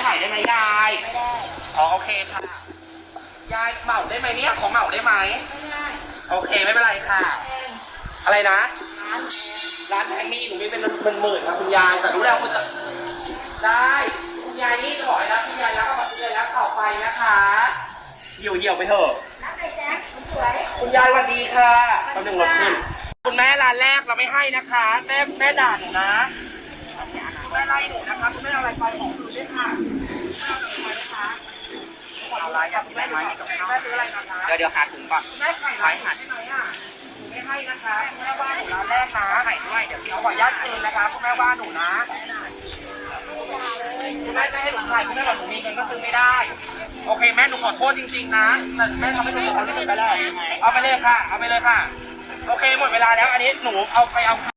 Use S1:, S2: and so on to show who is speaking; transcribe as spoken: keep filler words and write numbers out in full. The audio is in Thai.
S1: ายได้ไหมยาย
S2: ไม่ได้
S1: อ๋อโอเคค่ะยายเหมาได้ไหมเนี่ยของเหมาได้ไหม
S2: ไม่ได้
S1: โอเคไม่เป็นไรค่ะ
S2: แพง
S1: อะไรนะ
S2: ร้าน
S1: ร้านแพงนี่หนูมีเป็นเป็นหมื่นครับคุณยายแต่รู้แล้วคุณจะได้คุณยายนี่ถอยแล้วคุณยายรักกับคุณยายรักต่อไปนะคะเหี่ยวเหี่ยวไปเถอะ
S2: ร้านไหนแจ๊คสวย
S1: คุณยายสวัสดีค่ะตำหนึ่งรถขึ้นคุณแม่ร้านแรกเราไม่ให้นะคะ แม่แม่ด่าหนูนะคุณแม่ไล่หนูนะคะคุณแม่เอาอะไรไปของคืนด้วยค่ะเอาอะไรอ่ะคุณแม่ไหมแม่ซื้ออะไรนะคะ
S3: เดี๋ยวเดี๋ยวหาถุงก่อน
S1: แม่ไข่ร้านหาได้ไหมอ่ะหนูไม่ให้นะคะคุณแม่ว่าหนูร้านแรกนะไข่ด้วยเดี๋ยวเอาขออนุญาตคืนนะคะคุณแม่ว่าหนูนะคุณแม่ไม่ให้หนูขายคุณแม่บอกหนูมีเงินก็ซื้อไม่ได้โอเคแม่หนูขอโทษจริงๆนะแต่แม่ทำให้หนูเดือดร้อนที่สุดไปแล้วเอาไปเลยค่ะเอาไปเลยค่ะโอเคหมดเวลาแล้วอันนี้หนูเอาไปเอา